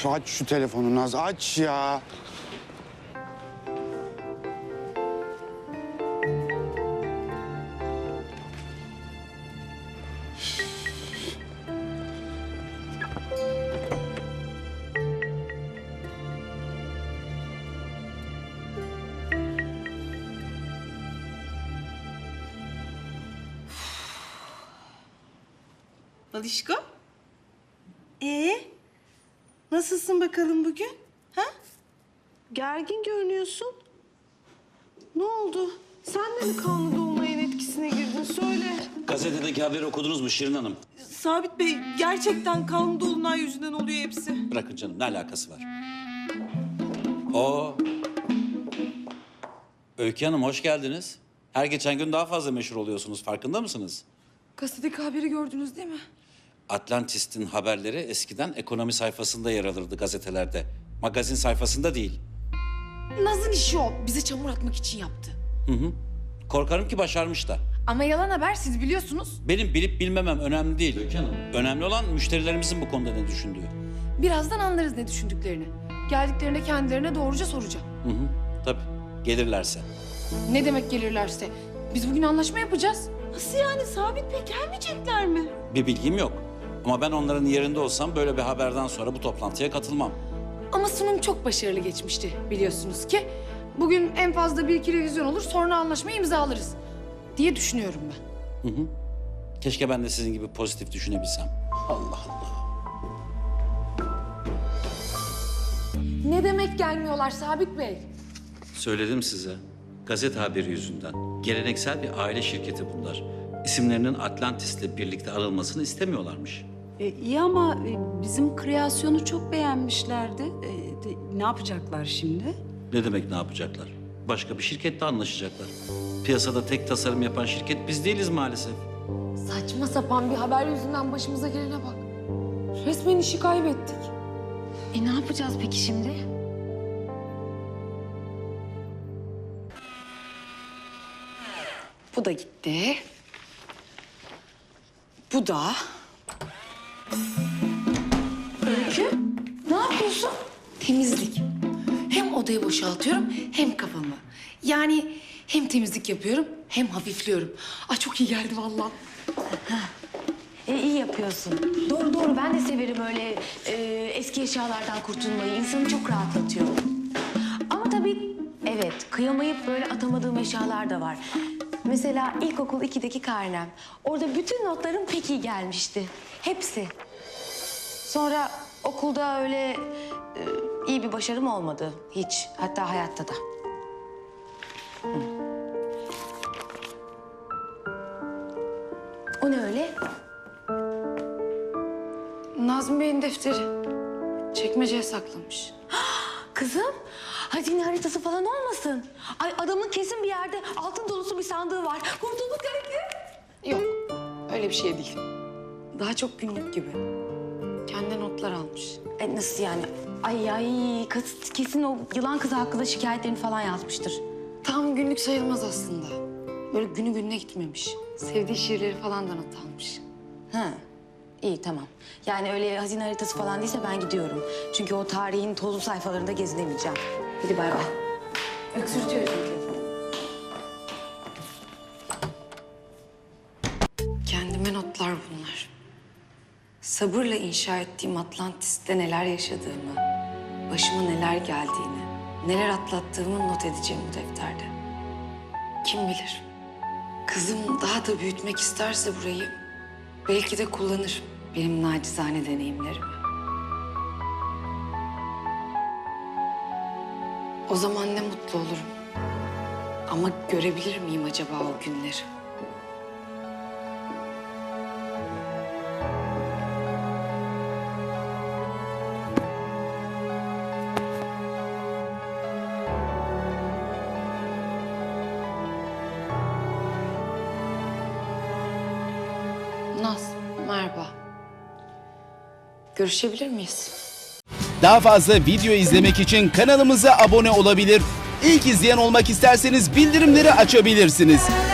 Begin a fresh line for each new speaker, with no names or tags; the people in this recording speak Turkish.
Aç şu telefonu Naz, aç ya.
Balişko. Nasılsın bakalım bugün? Ha? Gergin görünüyorsun. Ne oldu? Sen de mi kanlı dolunayın etkisine girdin? Söyle.
Gazetedeki haberi okudunuz mu Şirin Hanım?
Sabit Bey, gerçekten kanlı dolunay yüzünden oluyor hepsi.
Bırakın canım, ne alakası var? Oo. Öykü Hanım hoş geldiniz. Her geçen gün daha fazla meşhur oluyorsunuz, farkında mısınız?
Gazetedeki haberi gördünüz değil mi?
Atlantis'in haberleri eskiden ekonomi sayfasında yer alırdı gazetelerde. Magazin sayfasında değil.
Naz'ın işi o. Bize çamur atmak için yaptı.
Korkarım ki başarmış da.
Ama yalan haber, siz biliyorsunuz.
Benim bilip bilmemem önemli değil Öykü Hanım. Önemli olan müşterilerimizin bu konuda ne düşündüğü.
Birazdan anlarız ne düşündüklerini. Geldiklerinde kendilerine doğruca soracağım.
Tabii, gelirlerse.
Ne demek gelirlerse? Biz bugün anlaşma yapacağız.
Nasıl yani Sabit Bey, gelmeyecekler mi?
Bir bilgim yok. Ama ben onların yerinde olsam böyle bir haberden sonra bu toplantıya katılmam.
Ama sunum çok başarılı geçmişti biliyorsunuz ki. Bugün en fazla bir iki revizyon olur, sonra anlaşmayı imzalarız diye düşünüyorum ben.
Keşke ben de sizin gibi pozitif düşünebilsem. Allah Allah.
Ne demek gelmiyorlar Sabit Bey?
Söyledim size. Gazete haberi yüzünden. Geleneksel bir aile şirketi bunlar. İsimlerinin Atlantis'le birlikte anılmasını istemiyorlarmış.
İyi ama bizim kreasyonu çok beğenmişlerdi. Ne yapacaklar şimdi?
Ne demek ne yapacaklar? Başka bir şirketle anlaşacaklar. Piyasada tek tasarım yapan şirket biz değiliz maalesef.
Saçma sapan bir haber yüzünden başımıza gelene bak. Resmen işi kaybettik.
Ne yapacağız peki şimdi?
Bu da gitti. Bu da. Öykü, ne yapıyorsun? Temizlik. Hem odayı boşaltıyorum hem kafamı. Yani hem temizlik yapıyorum hem hafifliyorum. Ay çok iyi geldi vallahi.
İyi yapıyorsun. Doğru doğru, ben de severim öyle eski eşyalardan kurtulmayı. İnsanı çok rahatlatıyor. Ama tabii evet, kıyamayıp böyle atamadığım eşyalar da var. Mesela ilkokul 2'deki karnem. Orada bütün notlarım pek iyi gelmişti. Hepsi. Sonra okulda öyle iyi bir başarım olmadı hiç. Hatta hayatta da. O ne öyle?
Nazmi Bey'in defteri. Çekmeceye saklamış.
Kızım, hazine haritası falan olmasın. Ay adamın kesin bir yerde altın dolusu bir sandığı var. Kurtulduk Öykü.
Yok, öyle bir şey değil. Daha çok günlük gibi. Kendi notlar almış.
Nasıl yani? Ay kız kesin o yılan kızı hakkında şikayetlerini falan yazmıştır.
Tam günlük sayılmaz aslında. Böyle günü gününe gitmemiş. Sevdiği şiirleri falan da not almış.
Ha, iyi tamam. Yani öyle hazine haritası falan değilse ben gidiyorum. Çünkü o tarihin tozlu sayfalarında gezinemeyeceğim. Hadi bay bay.
Öksürtüyor çünkü. Kendime notlar bunlar. Sabırla inşa ettiğim Atlantis'te neler yaşadığımı, başıma neler geldiğini, neler atlattığımı not edeceğim bu defterde. Kim bilir? Kızım daha da büyütmek isterse burayı, belki de kullanır benim nacizane deneyimlerimi. O zaman ne mutlu olurum. Ama görebilir miyim acaba o günleri? Naz, merhaba. Görüşebilir miyiz?
Daha fazla video izlemek için kanalımıza abone olabilir. İlk izleyen olmak isterseniz bildirimleri açabilirsiniz.